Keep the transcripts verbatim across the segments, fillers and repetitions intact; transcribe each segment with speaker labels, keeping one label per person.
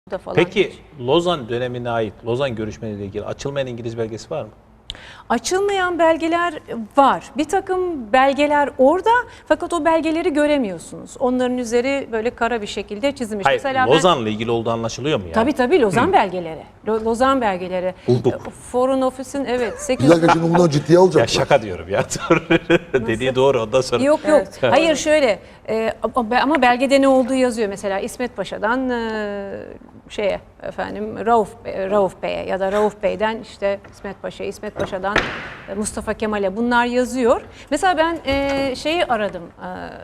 Speaker 1: falan.
Speaker 2: Peki Lozan dönemine ait, Lozan görüşmeleriyle ilgili açılmayan İngiliz belgesi var mı?
Speaker 1: Açılmayan belgeler var. Bir takım belgeler orada fakat o belgeleri göremiyorsunuz. Onların üzeri böyle kara bir şekilde çizilmiş.
Speaker 2: Hayır,
Speaker 1: Mesela
Speaker 2: Lozan'la ben, ilgili olduğu anlaşılıyor mu yani?
Speaker 1: Tabii tabii Lozan Hı. belgeleri. Lozan belgeleri.
Speaker 3: Bulduk.
Speaker 1: Foreign Office'in evet. sekiz...
Speaker 3: Bir dakika şimdi bundan ciddiye alacaklar.
Speaker 2: Ya şaka diyorum ya. Dediği doğru ondan sonra.
Speaker 1: Yok yok.
Speaker 2: Evet.
Speaker 1: Hayır şöyle e, ama belgede ne olduğu yazıyor. Mesela İsmet Paşa'dan e, şeye efendim Rauf, Rauf Bey'e ya da Rauf Bey'den işte İsmet Paşa, İsmet Paşa'dan Mustafa Kemal'e bunlar yazıyor. Mesela ben e, şeyi aradım. E,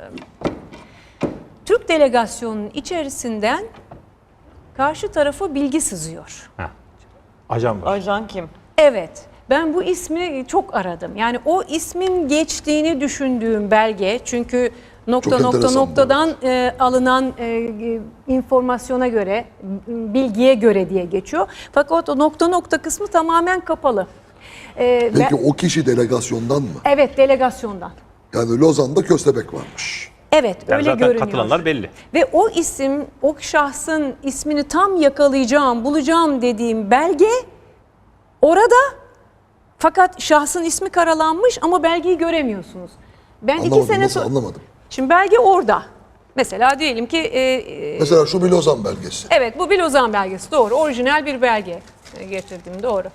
Speaker 1: Türk delegasyonunun içerisinden karşı tarafa bilgi sızıyor.
Speaker 2: Ha. Ajan var.
Speaker 4: Ajan kim?
Speaker 1: Evet. Ben bu ismi çok aradım. Yani o ismin geçtiğini düşündüğüm belge çünkü nokta
Speaker 3: Çok
Speaker 1: nokta
Speaker 3: enteresan
Speaker 1: noktadan e, alınan e, informasyona göre, bilgiye göre diye geçiyor. Fakat o nokta nokta kısmı tamamen kapalı. E,
Speaker 3: Peki
Speaker 1: ben,
Speaker 3: o kişi delegasyondan mı?
Speaker 1: evet, delegasyondan.
Speaker 3: Yani Lozan'da köstebek varmış.
Speaker 1: Evet,
Speaker 2: Yani
Speaker 1: öyle
Speaker 2: zaten
Speaker 1: görünüyor.
Speaker 2: katılanlar belli.
Speaker 1: Ve o isim, o şahsın ismini tam yakalayacağım, bulacağım dediğim belge orada. Fakat şahsın ismi karalanmış ama belgeyi göremiyorsunuz. Ben
Speaker 3: Anlamadım,
Speaker 1: iki sene
Speaker 3: nasıl
Speaker 1: sonra...
Speaker 3: anlamadım.
Speaker 1: Şimdi belge orada. Mesela diyelim ki... E,
Speaker 3: Mesela şu bir Lozan belgesi.
Speaker 1: evet, bu bir Lozan belgesi, doğru. Orijinal bir belge getirdim, doğru.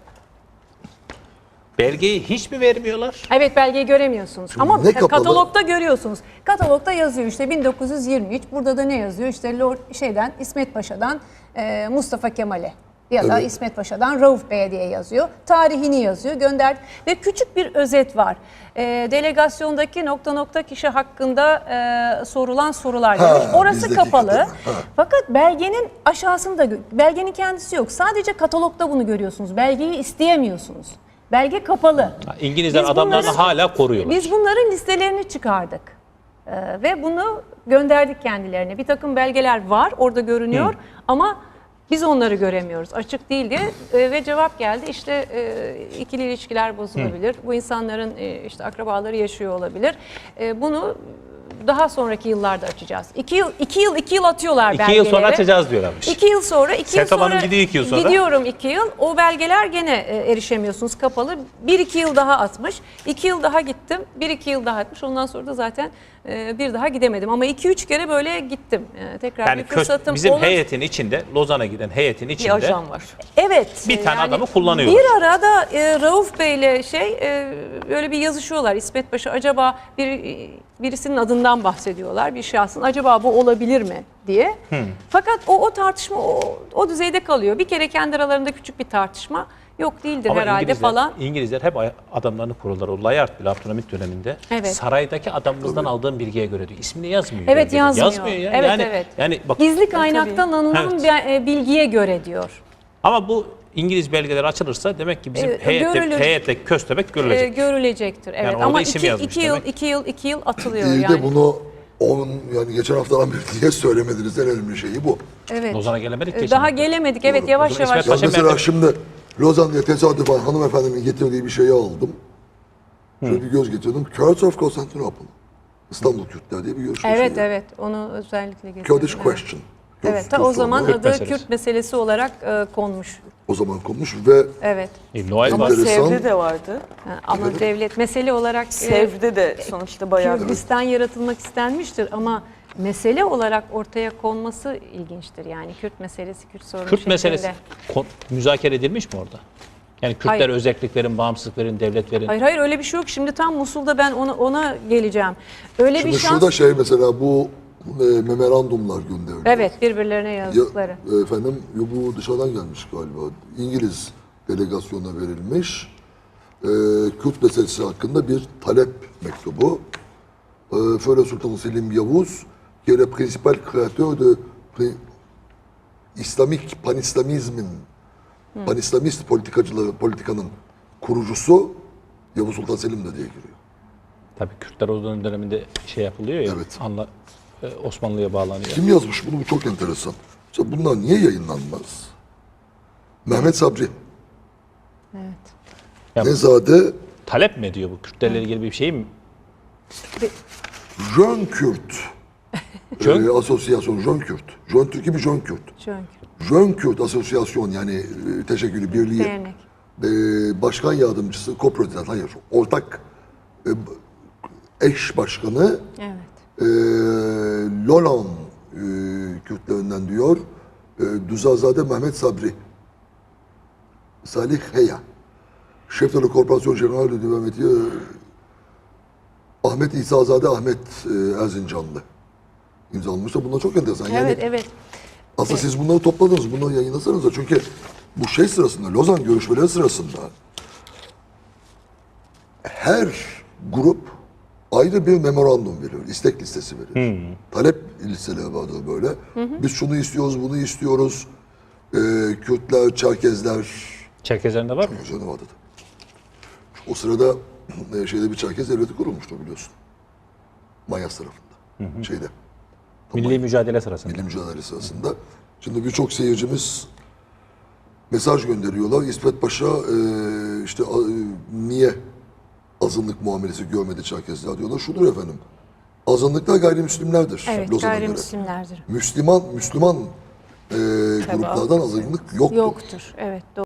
Speaker 2: Belgeyi hiç mi vermiyorlar?
Speaker 1: Evet, belgeyi göremiyorsunuz. Ama
Speaker 3: ne kapalı?
Speaker 1: katalogda görüyorsunuz. Katalogda yazıyor işte bin dokuz yüz yirmi üç. Burada da ne yazıyor? İşte Lord şeyden, İsmet Paşa'dan e, Mustafa Kemal'e. Ya da
Speaker 3: Evet.
Speaker 1: İsmet Paşa'dan Rauf Bey'e diye yazıyor. Tarihini yazıyor, gönder ve küçük bir özet var. E, delegasyondaki nokta nokta kişi hakkında e, sorulan sorular
Speaker 3: Ha,
Speaker 1: demiş. Orası
Speaker 3: bizdeki
Speaker 1: kapalı.
Speaker 3: katalog, ha.
Speaker 1: Fakat belgenin aşağısında, belgenin kendisi yok. Sadece katalogda bunu görüyorsunuz. Belgeyi isteyemiyorsunuz. Belge kapalı.
Speaker 2: Ha, İngilizler
Speaker 1: Biz
Speaker 2: adamlarını
Speaker 1: bunları-
Speaker 2: hala koruyorlar.
Speaker 1: Biz bunların listelerini çıkardık. Ee, ve bunu gönderdik kendilerine. Bir takım belgeler var, orada görünüyor.
Speaker 2: Hı.
Speaker 1: Ama biz onları göremiyoruz. Açık değil diye e, ve cevap geldi. İşte e, ikili ilişkiler bozulabilir. Hı. Bu insanların e, işte akrabaları yaşıyor olabilir. E, bunu daha sonraki yıllarda açacağız. İki yıl, iki yıl, iki yıl atıyorlar
Speaker 2: İki
Speaker 1: belgeleri.
Speaker 2: yıl sonra açacağız diyorlarmış.
Speaker 1: İki yıl sonra, iki yıl
Speaker 2: Sertab
Speaker 1: sonra
Speaker 2: Hanım gidiyor iki yıl sonra.
Speaker 1: gidiyorum iki yıl. O belgeler gene e, erişemiyorsunuz, kapalı. Bir iki yıl daha atmış. İki yıl daha gittim. Bir iki yıl daha atmış. Ondan sonra da zaten e, bir daha gidemedim. Ama iki üç kere böyle gittim. E, tekrar
Speaker 2: Yani
Speaker 1: bir fırsatım
Speaker 2: bizim
Speaker 1: olur.
Speaker 2: heyetin içinde, Lozan'a giden heyetin
Speaker 4: Bir
Speaker 2: içinde
Speaker 4: ajan var.
Speaker 1: Evet.
Speaker 2: bir tane
Speaker 1: yani
Speaker 2: adamı kullanıyorlar.
Speaker 1: Bir arada e, Rauf Bey'le şey e, öyle bir yazışıyorlar. İsmet Paşa acaba bir e, birisinin adından bahsediyorlar. Bir şahsın acaba bu olabilir mi diye. Hmm. Fakat o o tartışma o, o düzeyde kalıyor. Bir kere kendi aralarında küçük bir tartışma yok değildir
Speaker 2: Ama
Speaker 1: herhalde
Speaker 2: İngilizler,
Speaker 1: falan.
Speaker 2: İngilizler hep adamlarını korurlar. O Layard bile Abdülhamit döneminde
Speaker 1: Evet.
Speaker 2: saraydaki adamımızdan aldığım bilgiye göre diyor. İsmini yazmıyor.
Speaker 1: Evet,
Speaker 2: belgede.
Speaker 1: yazmıyor.
Speaker 2: Yazmıyor ya.
Speaker 1: Evet,
Speaker 2: yani,
Speaker 1: evet.
Speaker 2: Yani bak,
Speaker 1: Gizli kaynaktan alınan
Speaker 2: Evet.
Speaker 1: bir, e, bilgiye göre diyor.
Speaker 2: ama bu İngiliz belgeler açılırsa demek ki bizim
Speaker 1: E,
Speaker 2: heyette,
Speaker 1: görülür.
Speaker 2: heyette köstebek
Speaker 1: E,
Speaker 2: görülecek.
Speaker 1: görülecektir. Evet.
Speaker 2: orada
Speaker 1: Ama
Speaker 2: isim
Speaker 1: iki,
Speaker 2: yazmış
Speaker 1: iki yıl,
Speaker 2: demek.
Speaker 1: iki yıl, iki yıl atılıyor
Speaker 3: Değil
Speaker 1: yani.
Speaker 3: de bunu onun yani geçen haftadan beri niye söylemediniz en önemli şeyi bu.
Speaker 1: Evet.
Speaker 2: Lozan'a gelemedik
Speaker 1: E,
Speaker 2: geçen
Speaker 1: Daha
Speaker 2: hafta.
Speaker 1: gelemedik. Evet,
Speaker 3: Doğru.
Speaker 1: yavaş
Speaker 2: O zaman
Speaker 1: yavaş.
Speaker 2: İsmet
Speaker 3: Ya
Speaker 2: Paşa
Speaker 3: mesela
Speaker 2: merkez-
Speaker 3: şimdi Lozan diye tesadüfen hanımefendinin getirdiği bir şeyi aldım. Şöyle bir göz getirdim. Kurds of Constantinople. İstanbul Kürtler diye bir görüşme
Speaker 1: Evet,
Speaker 3: şeyi.
Speaker 1: evet. Onu özellikle getirdim.
Speaker 3: Kurdish
Speaker 1: Evet.
Speaker 3: question.
Speaker 1: Evet, ta
Speaker 3: Göz-
Speaker 1: o
Speaker 3: göz
Speaker 1: zaman
Speaker 3: sorunu.
Speaker 1: adı
Speaker 2: meselesi.
Speaker 1: Kürt meselesi olarak e, konmuş.
Speaker 3: O zaman konmuş ve
Speaker 1: Evet.
Speaker 2: E, Noel
Speaker 4: Ama
Speaker 2: var.
Speaker 3: Enteresan.
Speaker 4: Sevde de vardı.
Speaker 1: Ha, ama devlet mesele olarak e,
Speaker 4: Sevde de sonuçta bayağı bir...
Speaker 1: Kürdistan yaratılmak istenmiştir ama mesele olarak ortaya konması ilginçtir. Yani Kürt meselesi, Kürt sorunu
Speaker 2: Kürt
Speaker 1: şeklinde.
Speaker 2: meselesi kon- müzakere edilmiş mi orada? Yani Kürtler
Speaker 1: Hayır.
Speaker 2: özelliklerin, bağımsızlıkların, devletlerin.
Speaker 1: Hayır hayır öyle bir şey yok. Şimdi tam Musul'da ben ona, ona geleceğim. Öyle
Speaker 3: şimdi
Speaker 1: bir şans.
Speaker 3: şurada şey mesela bu e, memorandumlar gönderiliyor.
Speaker 1: Evet, birbirlerine
Speaker 3: Ya,
Speaker 1: yazdıkları.
Speaker 3: e, efendim ya bu dışarıdan gelmiş galiba. İngiliz delegasyona verilmiş. E, Kürt meselesi hakkında bir talep mektubu. E, Före Sultan Selim Yavuz, qui est le principal créateur de pri- İslamik panislamizmin, panislamist politikacıları, politikanın kurucusu Yavuz Sultan Selim de diye giriyor.
Speaker 2: Tabii Kürtler o dönem- döneminde şey yapılıyor ya.
Speaker 3: Evet.
Speaker 2: Anla, e, Osmanlı'ya bağlanıyor.
Speaker 3: Kim yazmış bunu? Bu çok enteresan. Mesela bunlar niye yayınlanmaz? Mehmet Sabri.
Speaker 1: Evet.
Speaker 2: Ya,
Speaker 3: Nezade
Speaker 2: talep mi ediyor bu Kürtlerle ilgili bir şey mi?
Speaker 3: Jön Kürt.
Speaker 2: Jön?
Speaker 3: Ee, asosyasyon Jön Kürt. Jön Türk gibi Jön Kürt.
Speaker 1: Çünkü.
Speaker 3: Jön Kürt Asosyasyon yani e, teşekkülü birliği
Speaker 1: Dernek.
Speaker 3: e, başkan yardımcısı, koproducent, hayır, ortak e, eş başkanı
Speaker 1: Evet.
Speaker 3: e, Lolan e, Kürtlerinden diyor, e, Düzazade Mehmet Sabri, Salih Heya, Şef de la Korporasyon General de Devleti Ahmet İsa'zade Ahmet e, Erzincanlı imzalamış da bunlar çok enteresan. Yani
Speaker 1: Evet, evet.
Speaker 3: aslında siz bunları topladınız, bunları yayınlasanız da çünkü bu şey sırasında, Lozan görüşmeleri sırasında her grup ayrı bir memorandum veriyor, istek listesi veriyor. Talep listeleri vardır böyle. Biz şunu istiyoruz, bunu istiyoruz. Ee, Kürtler, Çerkezler,
Speaker 2: Çerkezlerinde var mı?
Speaker 3: üzerine vardı. O sırada e, şeyde bir Çerkez devleti kurulmuştu biliyorsun. Manyas tarafında. Şeyde.
Speaker 2: Milli mücadele sırasında.
Speaker 3: Milli mücadele sırasında. Şimdi birçok seyircimiz mesaj gönderiyorlar. İsmet Paşa e, işte a- e, niye azınlık muamelesi görmedi Çerkezler diyorlar. Şudur efendim. Azınlıklar gayrimüslimlerdir.
Speaker 1: Evet,
Speaker 3: Lozan'a göre.
Speaker 1: gayrimüslimlerdir.
Speaker 3: Müslüman Müslüman e, gruplardan azınlık yoktur.
Speaker 1: Yoktur. Evet, doğru.